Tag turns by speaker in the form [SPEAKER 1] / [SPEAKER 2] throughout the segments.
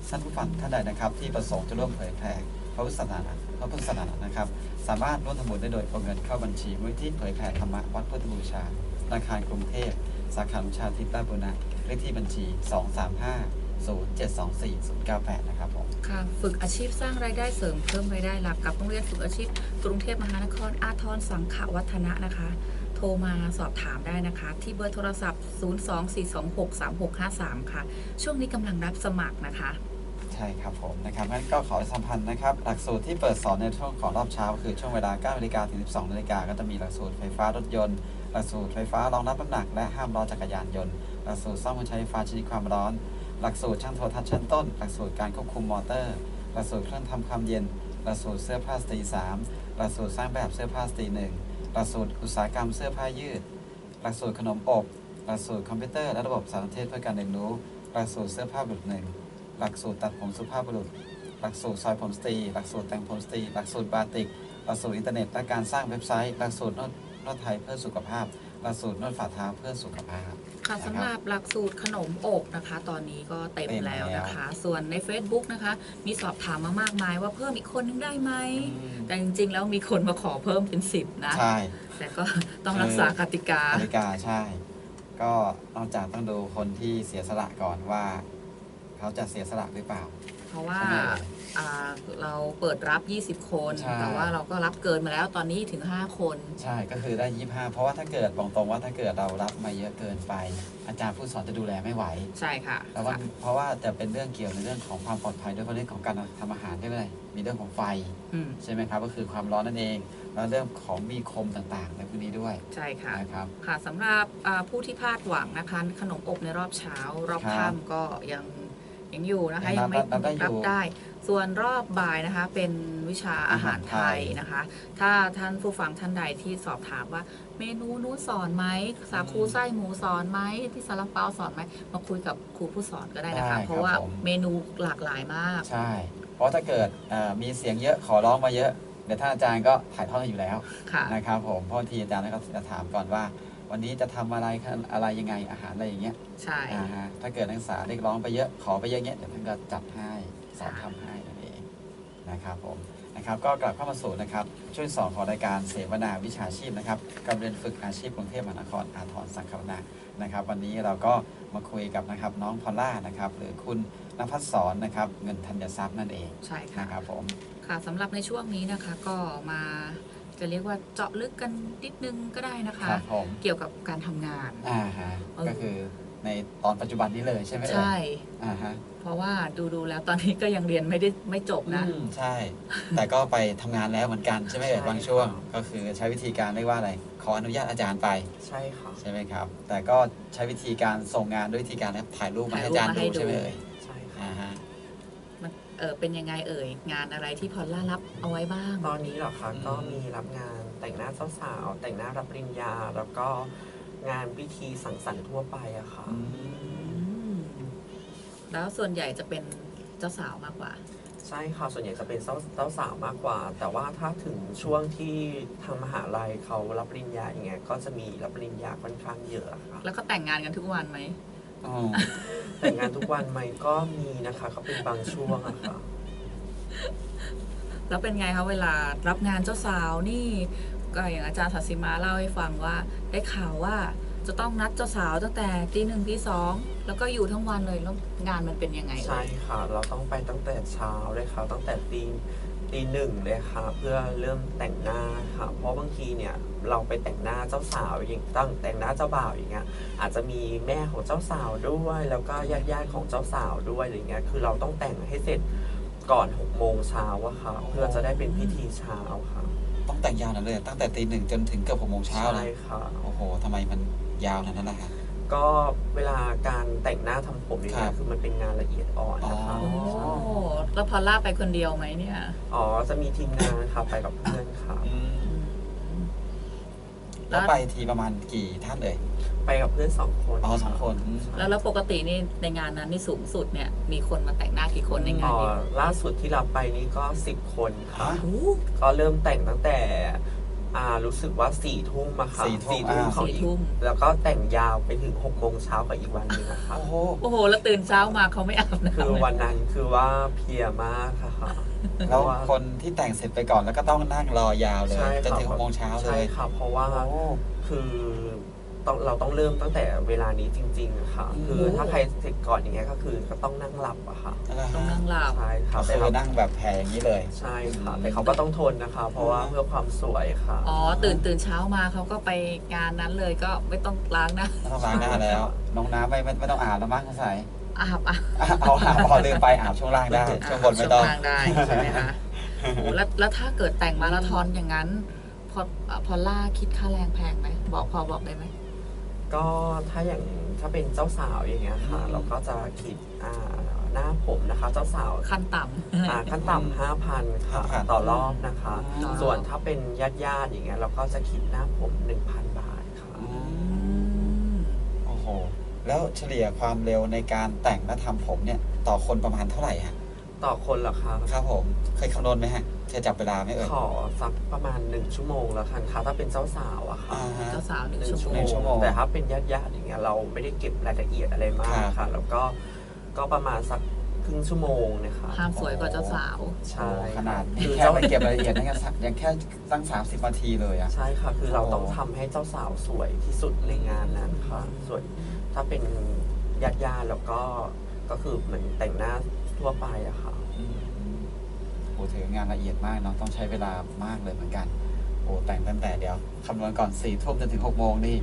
[SPEAKER 1] ท่านผู้ฟังท่านใดนะครับที่ประสงค์จะร่วมเผยแผ่พระพุทธศาสนานะครับสามารถร่วมทำบุญได้โดยโอนเงินเข้าบัญชีมูลนิธิเผยแผ่ธรรมะวัดพุทธบูชาธนาคารกรุงเทพสาขาวิชาทิพย์ราชบุรณะเลขที่บัญชี 235072498 นะครับผม
[SPEAKER 2] ค่ะฝึกอาชีพสร้างรายได้เสริมเพิ่มรายได้หลักกับโรงเรียนฝึกอาชีพกรุงเทพมหานครอาทรสังขวัฒนะนะคะโทรมาสอบถามได้นะคะที่เบอร์โทรศัพท์ 024263653 ค่ะช่วงนี้กำลังรับสมัครนะคะ
[SPEAKER 1] ใช่ครับผมนะครับงั้นก็ขอสัมพันธ์นะครับหลักสูตรที่เปิดสอนในช่วงของรอบเช้าคือช่วงเวลา 9 นาฬิกาถึง 12 นาฬิกาก็จะมีหลักสูตรไฟฟ้ารถยนต์หลักสูตรไฟฟ้ารองรับน้ำหนักและห้ามล้อจักรยานยนต์หลักสูตรซ่อมเครื่องใช้ไฟฟ้าชนิดความร้อนหลักสูตรช่างโทรทัศน์ชั้นต้นหลักสูตรการควบคุมมอเตอร์หลักสูตรเครื่องทำความเย็นหลักสูตรเสื้อผ้าสตรี3หลักสูตรสร้างแบบเสื้อผ้าสตรี1หลักสูตรอุตสาหกรรมเสื้อผ้ายืดหลักสูตรขนมอบหลักสูตรคอมพิวเตอร์และระบบสารสนเทศเพื่อการเรียนรู้หลักสูตรเสื้อผ้าบุรุษ1หลักสูตรตัดผมสุภาพบุรุษหลักสูตรซอยผมสตรีหลักสูตรแต่งผมสตรีหลักสูตรบาติกหลักสูตรอินเทอร์เน็ตและการสร้างเว็บไซต์หลักสูตรนวดไทยเพื่อสุขภาพหลักสูตรนวดฝ่าเท้าเพื่อสุขภาพ
[SPEAKER 2] ค่ะสำหรับหลักสูตรขนมอบนะคะตอนนี้ก็เต็มแล้วนะคะส่วนใน Facebook นะคะมีสอบถามมามากมายว่าเพิ่มอีกคนนึงได้ไหมแต่จริงๆแล้วมีคนมาขอเพิ่มเป็น10นะ
[SPEAKER 1] ใช่
[SPEAKER 2] แต่ก็ต้องรักษากติกา
[SPEAKER 1] ใช่ก็นอกจากต้องดูคนที่เสียสละก่อนว่าเขาจะเสียสละหรือเปล่า
[SPEAKER 2] เพราะว่าเราเปิดรับ20คนแต่ว่าเราก็รับเกินมาแล้วตอนนี้ถึง5คน
[SPEAKER 1] ใช่ก็คือได้25เพราะว่าถ้าเกิดบอกตรงว่าถ้าเกิดเรารับมาเยอะเกินไปอาจารย์ผู้สอนจะดูแลไม่ไหว
[SPEAKER 2] ใช่ค่ะ
[SPEAKER 1] เพราะว่าจะเป็นเรื่องเกี่ยวในเรื่องของความปลอดภัยด้วยเรื่องของการทำอาหารด้วยมีเรื่องของไฟใช่ไหมครับก็คือความร้อนนั่นเองแล้วเรื่องของมีคมต่างๆในพวกนี้ด้วย
[SPEAKER 2] ใช่ค่ะ
[SPEAKER 1] นะครับ
[SPEAKER 2] ค่ะสำหรับผู้ที่พลาดหวังนะคะขนมอบในรอบเช้ารอบค่ำก็ยังอยู่นะคะยังไม่รับได้ส่วนรอบบ่ายนะคะเป็นวิชาอาหารไทยนะคะถ้าท่านผู้ฟังท่านใดที่สอบถามว่าเมนูนู้นสอนไหมสาคูไส้หมูสอนไหมที่ซาลาเปาสอนไหมมาคุยกับครูผู้สอนก็ได้นะคะเพราะว่าเมนูหลากหลายมาก
[SPEAKER 1] ใช่เพราะถ้าเกิดมีเสียงเยอะขอร้องมาเยอะเดี๋ยวท่านอาจารย์ก็ถ่ายทอดอยู่แล้วนะครับผมเพราะทีอาจารย์ก็จะถามก่อนว่าวันนี้จะทำอะไรยังไงอาหารอะไรอย่างเงี้ย
[SPEAKER 2] ใช่
[SPEAKER 1] ถ้าเกิดนักศึกษาเรียกร้องไปเยอะขอไปเยอะเงี้ยเดี๋ยวท่านก็จัดให้สอนทำให้นั่นเองนะครับผมนะครับก็กลับเข้ามาสู่นะครับช่วง2ของรายการเสวนาวิชาชีพนะครับกับเรียนฝึกอาชีพกรุงเทพมหานครอาทรสังขวนานะครับวันนี้เราก็มาคุยกับนะครับน้องพอลล่านะครับหรือคุณณภัสสรนะครับเงินธัญทรัพย์นั่นเอง
[SPEAKER 2] ใช่ค่ะ
[SPEAKER 1] นะครับผม
[SPEAKER 2] ค่ะสำหรับในช่วงนี้นะคะก็มาจะเรียกว่าเจาะลึกกันนิดนึงก็ได้นะคะเกี่ยวกับการทำงาน
[SPEAKER 1] ก็คือในตอนปัจจุบันนี้เลยใช่ไหม
[SPEAKER 2] ใช่เพราะว่าดูแล้วตอนนี้ก็ยังเรียนไม่จบนะ
[SPEAKER 1] ใช่แต่ก็ไปทำงานแล้วเหมือนกันใช่ไหมบางช่วงก็คือใช้วิธีการเรียกว่าอะไรขออนุญาตอาจารย์ไป
[SPEAKER 3] ใช่ค่ะ
[SPEAKER 1] ใช่ไหมครับแต่ก็ใช้วิธีการส่งงานด้วยวิธีการถ่ายรูปมาให้อาจารย์ดูใช่ไหม
[SPEAKER 3] ใช่ค่ะ
[SPEAKER 2] มันเป็นยังไงงานอะไรที่พอลล่ารับเอาไว้บ้าง
[SPEAKER 3] ตอนนี้เหรอคะก็มีรับงานแต่งหน้าเจ้าสาวแต่งหน้ารับปริญญาแล้วก็งานพิธีสังสรรค์ทั่วไปอะค่ะ
[SPEAKER 2] แล้วส่วนใหญ่จะเป็นเจ้าสาวมากกว่า
[SPEAKER 3] ใช่ค่ะส่วนใหญ่จะเป็นเจ้าสาวมากกว่าแต่ว่าถ้าถึงช่วงที่ทางมหาลัยเขารับปริญญาอย่างเงี้ยก็จะมีรับปริญญาค่อนข้างเยอะค่ะ
[SPEAKER 2] แล้วก็แต่งงานกันทุกวันไหม
[SPEAKER 3] แต่งงานทุกวันไหมก็มีนะคะเขาเป็นบางช่วงอะค่ะ
[SPEAKER 2] แล้วเป็นไงคะเวลารับงานเจ้าสาวนี่ก็อย่างอาจารย์ศศิมาเล่าให้ฟังว่าได้ข่าวว่าจะต้องนัดเจ้าสาวตั้งแต่ตี 1 ตี 2แล้วก็อยู่ทั้งวันเลยแล้วงานมันเป็นยังไง
[SPEAKER 3] ใช่ค่ะเราต้องไปตั้งแต่เช้าเลยค่ะตั้งแต่ตี 1เลยค่ะเพื่อเริ่มแต่งหน้าค่ะเพราะบางทีเนี่ยเราไปแต่งหน้าเจ้าสาวอย่างแต่งหน้าเจ้าบ่าวอย่างเงี้ยอาจจะมีแม่ของเจ้าสาวด้วยแล้วก็ญาติของเจ้าสาวด้วยอะไรเงี้ยคือเราต้องแต่งให้เสร็จก่อน6 โมงเช้าอะค่ะเพื่อจะได้เป็นพิธีเช้าค่ะ
[SPEAKER 1] ต้องแต่งยาวนั่นเลยตั้งแต่ตี 1จนถึงเกือบ6 โมงเช้า
[SPEAKER 3] ใช่ค่ะ
[SPEAKER 1] โอ้โหทำไมมันยาวนั้นล่ะ
[SPEAKER 3] ก็เวลาการแต่งหน้าทำผมเนี่ยคือมันเป็นงานละเอียดอ่อนนะคะ
[SPEAKER 2] แล้วพอลล่าไปคนเดียวไหมเนี่ย
[SPEAKER 3] จะมีทีมงานค่ะไปกับเพื่อนค่ะ
[SPEAKER 1] แล้วไปทีประมาณกี่ท่านเลย
[SPEAKER 3] ไปกับเพื่อน2 คน
[SPEAKER 1] 2 คน
[SPEAKER 2] แล้วปกตินี่ในงานนั้นนี่สูงสุดเนี่ยมีคนมาแต่งหน้ากี่คนในงานนี้
[SPEAKER 3] ล่าสุดที่รับไปนี่ก็10 คนค่ะก็เริ่มแต่งตั้งแต่รู้สึกว่า4 ทุ่มอะค่ะ
[SPEAKER 1] 4 ทุ่ม
[SPEAKER 3] 4 ทุ่มของ
[SPEAKER 2] 4
[SPEAKER 3] อีก
[SPEAKER 2] ทุ่ม
[SPEAKER 3] แล้วก็แต่งยาวไปถึง6 โมงเช้ากับอีกวันหนึงอะค่ะ
[SPEAKER 1] โอ้โห
[SPEAKER 2] โอ้โห แล้วตื่นเช้ามาเขาไม่อาบน้ำ
[SPEAKER 3] คือวันนั้นคือว่าเพลียมากค่ะ
[SPEAKER 1] แล้วคนที่แต่งเสร็จไปก่อนแล้วก็ต้องนั่งรอยาวเลย
[SPEAKER 3] ใช่
[SPEAKER 1] จน
[SPEAKER 3] ครับ
[SPEAKER 1] ถึง6 โมงเช้าเล
[SPEAKER 3] ใช่
[SPEAKER 1] ย
[SPEAKER 3] ค่ะเพราะว่า
[SPEAKER 1] โอ้
[SPEAKER 3] คือเราต้องเริ่มตั้งแต่เวลานี้จริงๆอะค่ะ
[SPEAKER 1] อืม
[SPEAKER 3] คือถ้าใครเสร็จก่อนอย่างเงี้ยก็คือก็ต้องนั่งหลับอะค่ะ
[SPEAKER 2] ต้องนั่งหลับ
[SPEAKER 3] ใช่ค่ะ
[SPEAKER 1] ก็
[SPEAKER 3] แต่
[SPEAKER 1] คือ
[SPEAKER 3] เรา
[SPEAKER 1] นั่งแบบแผ่อย่างนี้เลย
[SPEAKER 3] ใช่ค่ะแต่เขาก็ต้องทนนะคะ เพราะว่าเพื่อความสวยค่ะ
[SPEAKER 2] อ๋อ ตื่นเช้ามาเขาก็ไปงานนั้นเลยก็ไม่ต้องล้างหนะ
[SPEAKER 1] ไม่ต้องล้างหน้าแล้ว น้องน้ำไม่ต้องอาบแล้วมั้งใส่
[SPEAKER 2] อาบ
[SPEAKER 1] เอาอาบพอลืมไปอาบช่วงล่างได้ ช่วงบนไม่ต้อง
[SPEAKER 2] ช่วงล่างได้ใช่ไหมคะโอ้โหแล้วถ้าเกิดแต่งมาราธอนอย่างนั้น พอล่าคิดค่าแรงแพงไหมพอบอกได้ไหม
[SPEAKER 3] ก็ถ้าเป็นเจ้าสาวอย่างเงี้ยค่ะ
[SPEAKER 1] อืม
[SPEAKER 3] เราก็จะคิดหน้าผมนะคะ เจ้าสาว
[SPEAKER 2] ขั้นต่ำ
[SPEAKER 3] ขั้นต่ำ5,000 ค่ะ
[SPEAKER 1] 5,000
[SPEAKER 3] ต่อรอบนะคะ
[SPEAKER 2] ต่อรอบ
[SPEAKER 3] ส่วนถ้าเป็นญาติอย่างเงี้ยเราก็จะคิดหน้าผม 1,000 บาทค่ะ
[SPEAKER 1] อืมโอ้โห แล้วเฉลี่ยความเร็วในการแต่งและทำผมเนี่ย ต่อคนประมาณเท่าไหร่ฮะ
[SPEAKER 3] ต่อคนเหรอคะ
[SPEAKER 1] ครับผม เคยคำนวณไหมฮะเคยจับเวลาไหมเอ่ย
[SPEAKER 3] ขอสักประมาณ1 ชั่วโมงแล้วกันค่ะถ้าเป็นเจ้าสาวอะค่ะ
[SPEAKER 1] อ่าฮะ
[SPEAKER 2] เจ้าสาวหนึ่ง
[SPEAKER 3] 1
[SPEAKER 2] ชั่ว
[SPEAKER 3] ชั่ว
[SPEAKER 2] โม
[SPEAKER 3] โม
[SPEAKER 2] ง
[SPEAKER 1] ชั่วโมง
[SPEAKER 3] งแต่ถ้าเป็นญาติอย่างเงี้ยเราไม่ได้เก็บรายละเอียดอะไรมาก
[SPEAKER 1] ครับ
[SPEAKER 3] ค่ะ แล้วก็ประมาณสักครึ่งชั่วโมงนะคะ
[SPEAKER 2] ห้ามสวยกว่าเจ้าสาว
[SPEAKER 3] ใช่
[SPEAKER 1] โอ้ขนาด
[SPEAKER 3] คือ
[SPEAKER 1] แค่ไปเก็บรายละเอียดนั่นยังแค่ตั้ง30 นาทีเลยอะ
[SPEAKER 3] ใช่ค่ะ คือเราต้อง
[SPEAKER 1] โอ้
[SPEAKER 3] ทำให้เจ้าสาวสวยที่สุดในงานนั้นค่ะ ส่วนถ้าเป็นญาติแล้วก็คือเหมือนแต่งหน้าทั่วไปอะค่ะ
[SPEAKER 1] โอ้ถืองานละเอียดมากเนาะต้องใช้เวลามากเลยเหมือนกัน โอ้แต่งตั้งแต่เดี๋ยวคำนวณก่อน4 ทุ่มจนถึง6 โมงนี่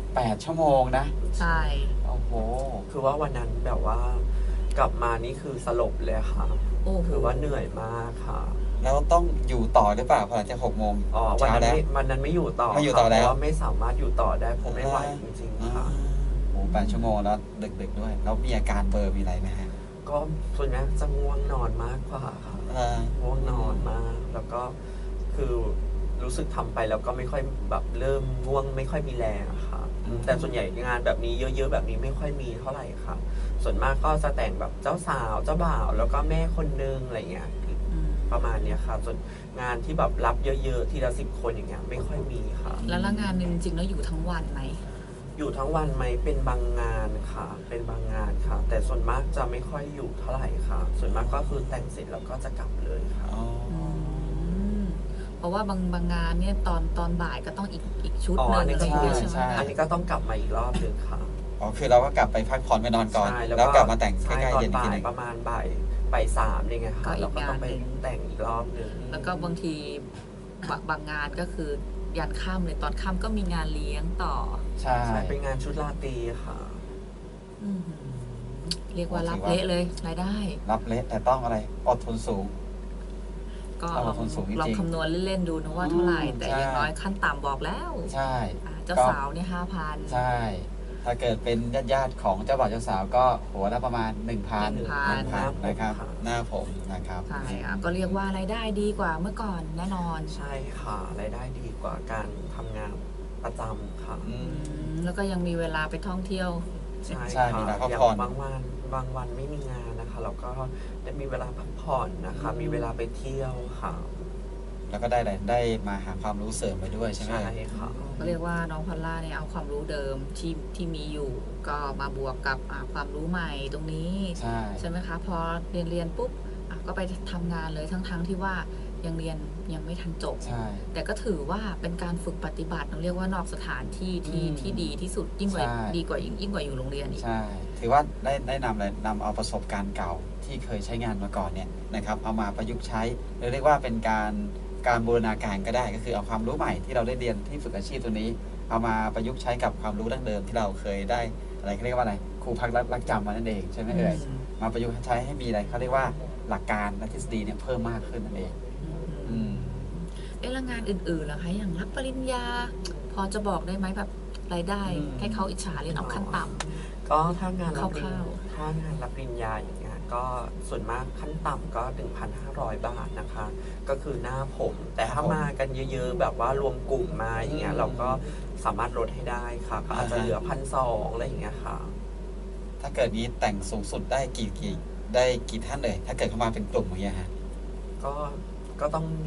[SPEAKER 1] 8 ชั่วโมงนะ
[SPEAKER 2] ใช่
[SPEAKER 1] โอ้โห
[SPEAKER 3] คือว่าวันนั้นแบบว่ากลับมานี่คือสลบเลยค่ะ
[SPEAKER 2] โอ้โห
[SPEAKER 3] คือว่าเหนื่อยมากค่ะ
[SPEAKER 1] แล้วต้องอยู่ต่อหรือเปล่าพอหลังจาก6 โมง
[SPEAKER 3] วัน
[SPEAKER 1] เช้า
[SPEAKER 3] นั้น
[SPEAKER 1] แล้ว
[SPEAKER 3] วันนั้นไม่อยู่ต่อ
[SPEAKER 1] ไม่อยู่ต่อแล้ว
[SPEAKER 3] เพราะว่าไม่สามารถอยู่ต่อได้ผมไม่ไหวจริงๆค่ะ
[SPEAKER 1] โอ้8 ชั่วโมงแล้วดึกๆด้วย แล้วมีอาการเบลอร์มีอะไรไหมฮะ
[SPEAKER 3] ก็ส่วนมากจะง่วงนอนมากกว่าค่ะ ง่วงนอนมาก แล้วก็คือรู้สึกทำไปแล้วก็ไม่ค่อยแบบเริ่มง่วงไม่ค่อยมีแรงอะค่ะ แต่ส่วนใหญ่งานแบบนี้เยอะๆแบบนี้ไม่ค่อยมีเท่าไหร่ค่ะ ส่วนมากก็จะแต่งแบบเจ้าสาวเจ้าบ่าวแล้วก็แม่คนนึงอะไรเงี้ย
[SPEAKER 2] อืม
[SPEAKER 3] ประมาณเนี้ยค่ะ ส่วนงานที่แบบรับเยอะๆทีละ10 คนอย่างเงี้ยไม่ค่อยมีค่ะ
[SPEAKER 2] แล้วงานหนึ่งจริงๆแล้วอยู่ทั้งวันไหม
[SPEAKER 3] อยู่ทั้งวันไหมเป็นบางงานค่ะ เป็นบางงานค่ะ แต่ส่วนมากจะไม่ค่อยอยู่เท่าไหร่ค่ะ ส่วนมากก็คือแต่งเสร็จแล้วก็จะกลับเลยค่ะ
[SPEAKER 1] อ๋อ
[SPEAKER 2] มเพราะว่าบางงานเนี่ยตอนบ่ายก็ต้องอีกชุด
[SPEAKER 3] อ๋อ
[SPEAKER 2] หนึ่ง
[SPEAKER 3] อันนี้
[SPEAKER 2] อะไรอย่างเงี้ย
[SPEAKER 1] ใช่
[SPEAKER 2] ใช่ไหม
[SPEAKER 1] ใช่
[SPEAKER 2] คะ
[SPEAKER 3] อันนี้ก็ต้องกลับมาอีกรอบหนึ่งค่ะ
[SPEAKER 1] อ๋อคือเราก็กลับไปพักผ่อนไปนอนก่อน
[SPEAKER 3] ใช่
[SPEAKER 1] แล้วกลับมาแต่งใก
[SPEAKER 3] ใช่
[SPEAKER 1] ล้ๆ
[SPEAKER 3] ตอน
[SPEAKER 1] เย็นอีก
[SPEAKER 3] บ่า
[SPEAKER 1] ที
[SPEAKER 3] ย
[SPEAKER 1] หนึง
[SPEAKER 3] ประมาณบ่าย 3นี่ไงค่ะเราก็ต้องไปแต่งอีกรอบหนึ่ง
[SPEAKER 2] แล้วก็บางทีบางงานก็คือยันค่ำเลยตอนค่ำก็มีงานเลี้ยงต่อ
[SPEAKER 1] ใช่
[SPEAKER 3] ใช่เป็นงานชุดราตรีค่ะ
[SPEAKER 2] อืมเรียกว่ารับเละเลยรายได้
[SPEAKER 1] รับเละแต่ต้องอะไรอดทนสูง
[SPEAKER 2] ก็
[SPEAKER 1] เอา
[SPEAKER 2] ลอง
[SPEAKER 1] คนสูงจริงๆ
[SPEAKER 2] ลองคำนวณเล่นๆดูนะว่าเท่าไหร่ แต่
[SPEAKER 1] ใช่
[SPEAKER 2] อย่างน้อยขั้นต่ำบอกแล้ว
[SPEAKER 1] ใช่
[SPEAKER 2] เจ้าสาวเนี่ย5,000
[SPEAKER 1] ใช่ ถ้าเกิดเป็นญาติๆของเจ้าบ่าวเจ้าสาวก็หัวละประมาณ 1,000
[SPEAKER 2] 1,000
[SPEAKER 1] นะครับ หน้าผมนะครับ
[SPEAKER 2] ใช่ก็เรียกว่ารายได้ดีกว่าเมื่อก่อนแน่นอน
[SPEAKER 3] ใช่ค่ะรายได้ดีกว่าการทำงานประจำค่ะ
[SPEAKER 1] อืม
[SPEAKER 2] แล้วก็ยังมีเวลาไปท่องเที่ยว
[SPEAKER 3] ใช่
[SPEAKER 1] ใช่มี
[SPEAKER 3] ค่ะ
[SPEAKER 1] เวลาพัก
[SPEAKER 3] อย่าง
[SPEAKER 1] ผ่อน
[SPEAKER 3] บางวันไม่มีงานนะคะเราก็ได้มีเวลาพักผ่อนนะคะ มีเวลาไปเที่ยวค่ะ
[SPEAKER 1] แล้วก็ได้อะไรได้มาหาความรู้เสริมไปด้วยใช่ไหม
[SPEAKER 3] ใช่ค่ะ
[SPEAKER 2] ก็เรียกว่าน้องพอลล่าเนี่ยเอาความรู้เดิมที่มีอยู่ ก็มาบวกกับความรู้ใหม่ตรงนี้
[SPEAKER 1] ใช่
[SPEAKER 2] ใช่ไหมคะ พอเรียนปุ๊บก็ไปทำงานเลยทั้งที่ว่ายังเรียนยังไม่ทันจบ
[SPEAKER 1] ใช่
[SPEAKER 2] แต่ก็ถือว่าเป็นการฝึกปฏิบัติเราเรียกว่านอกสถานที่ที่ดีที่สุดยิ่งกว่า
[SPEAKER 1] ใช่
[SPEAKER 2] ดีกว่ายิ่งกว่าอยู่โรงเรียนอีก
[SPEAKER 1] ใช่ ถือว่าได้นำอะไรนำเอาประสบการณ์เก่าที่เคยใช้งานมาก่อนเนี่ยนะครับ เอามาประยุกต์ใช้หรือเรียกว่าเป็นการบูรณาการก็ได้ ก็คือเอาความรู้ใหม่ที่เราได้เรียนที่ฝึกอาชีพตัวนี้ เอามาประยุกต์ใช้กับความรู้ดั้งเดิมที่เราเคยได้อะไรเขาเรียกว่าอะไรครูพักรักจำมานั่นเองใช่ไหมเอ่ย มาประยุกต์ใช้ให้มีอะไรเขาเรียกว่าหลักการและทฤษฎีเนี่ยเพิ่มมากขึ้นนั่นเอง อืม
[SPEAKER 2] แล้วงานอื่นๆล่ะคะอย่างรับปริญญา พอจะบอกได้ไหมแบบรายได้
[SPEAKER 1] อืม
[SPEAKER 2] ให้เขาอิจฉาเรียนเอาขั้นต่ำ
[SPEAKER 3] ก็ถ้างานรับปริญ
[SPEAKER 2] คร่าว
[SPEAKER 3] ถ้างานรับปริญญาอย่างเงี้ยก็ส่วนมากขั้นต่ำก็ 1,500 บาทนะคะ ก็คือหน้าผม แต่ถ้ามากันเยอะๆ แบบว่ารวมกลุ่มมาอย่างเงี้ยเราก็สามารถลดให้ได้ค่ะก็อาจจะเหลือ 1,200อะไรอย่างเงี้ยค่ะ
[SPEAKER 1] ถ้าเกิดนี้แต่งสูงสุดได้กี่ท่านเลย ถ้าเกิดเข้ามาเป็นกลุ่มอย่างเงี้ยฮะ
[SPEAKER 3] ก็ต้อง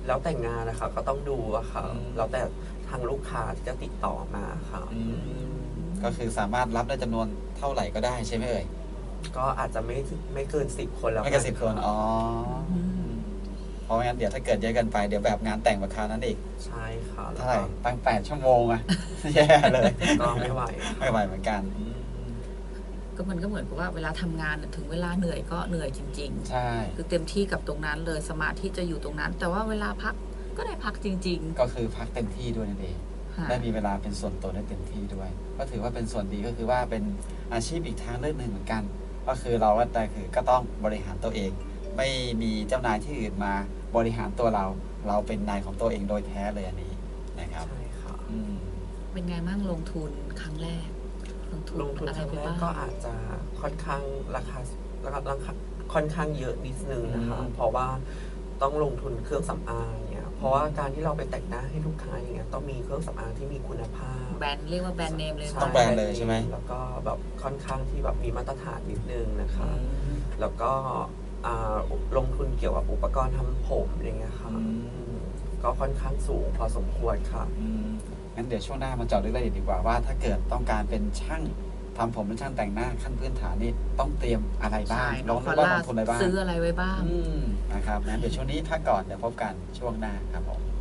[SPEAKER 3] แล้วแต่งงานนะคะก็ต้องดูอะค่ะ
[SPEAKER 1] อืม
[SPEAKER 3] แล้วแต่ทางลูกค้าที่จะติดต่อมาค่ะ
[SPEAKER 1] ก็คือสามารถรับได้จำนวนเท่าไหร่ก็ได้ใช่ไหมเอ่ย
[SPEAKER 3] ก็อาจจะไม่เกิน10 คนแล้ว
[SPEAKER 1] ไม่เกิน10 คนอ๋อเพราะไม่งั้นเดี๋ยวถ้าเกิดเยอะเกินไปเดี๋ยวแบบงานแต่งราคานั้นอีก
[SPEAKER 3] ใช่ค่ะแล้ว
[SPEAKER 1] เท่าไหร่
[SPEAKER 3] ก็
[SPEAKER 1] ตั้ง8 ชั่วโมงอะ แย่เลย
[SPEAKER 3] ก็ไม่ไหว
[SPEAKER 1] ไม่ไหวเหมือนกัน
[SPEAKER 2] ก็มันก็เหมือนกับว่าเวลาทำงานน่ะถึงเวลาเหนื่อยก็เหนื่อยจริง
[SPEAKER 1] ใช่
[SPEAKER 2] ๆ คือเต็มที่กับตรงนั้นเลยสมาธิจะอยู่ตรงนั้น แต่ว่าเวลาพักก็ได้พักจริง
[SPEAKER 1] ก็คือพักเต็มที่ด้วยนั่นเอง
[SPEAKER 2] ๆค่ะ
[SPEAKER 1] ได้มีเวลาเป็นส่วนตัวได้เต็มที่ด้วย ก็ถือว่าเป็นส่วนดีก็คือว่าเป็นอาชีพอีกทางเลือกหนึ่งเหมือนกัน ก็คือเราก็แต่คือก็ต้องบริหารตัวเอง ไม่มีเจ้านายที่อื่นมาบริหารตัวเรา เราเป็นนายของตัวเองโดยแท้เลยอันนี้นะครับ
[SPEAKER 3] ใช่ค่ะ
[SPEAKER 1] อืม
[SPEAKER 2] เป็นไงบ้างลงทุนครั้งแรก
[SPEAKER 3] ลงทุน
[SPEAKER 2] อะ
[SPEAKER 3] ค
[SPEAKER 2] ไร
[SPEAKER 3] รั้ง
[SPEAKER 2] ไป
[SPEAKER 3] แรก
[SPEAKER 2] บ้าง
[SPEAKER 3] ก็อาจจะค่อนข้างราคาค่อนข้างเยอะนิดนึงนะคะ
[SPEAKER 1] อืม
[SPEAKER 3] เพราะว่าต้องลงทุนเครื่องสำอางเนี่ยเพราะว่าการที่เราไปแต่งหน้าให้ลูกค้าอย่างเงี้ยต้องมีเครื่องสำอางที่มีคุณภาพ
[SPEAKER 2] แบรนด์เรียกว่าแบรนด์เนมเลย
[SPEAKER 1] ต้องแบรนด์เลยใช่ไหม
[SPEAKER 3] แล้วก็แบบค่อนข้างที่แบบมีมาตรฐานนิดนึงนะคะ แล้วก็ลงทุนเกี่ยวกับอุปกรณ์ทำผมอย่างเงี้ยค่ะ
[SPEAKER 1] อืม
[SPEAKER 3] ก็ค่อนข้างสูงพอสมควรค่ะ
[SPEAKER 1] งั้นเดี๋ยวช่วงหน้ามาเจาะลึกรายละเอียดดีกว่าว่าถ้าเกิดต้องการเป็นช่างทำผมเป็นช่างแต่งหน้าขั้นพื้นฐานนี่ต้องเตรียมอะไรบ้า
[SPEAKER 2] ใช่
[SPEAKER 1] ง
[SPEAKER 2] น้องฟา
[SPEAKER 1] ว่า
[SPEAKER 2] ร่า
[SPEAKER 1] ลงทุนอะไรบ้าง
[SPEAKER 2] ซื้ออะไรไว้บ้าง
[SPEAKER 1] นะครับงั้นเดี๋ยวช่วงนี้พักก่อนเดี๋ยวพบกันช่วงหน้าครับผม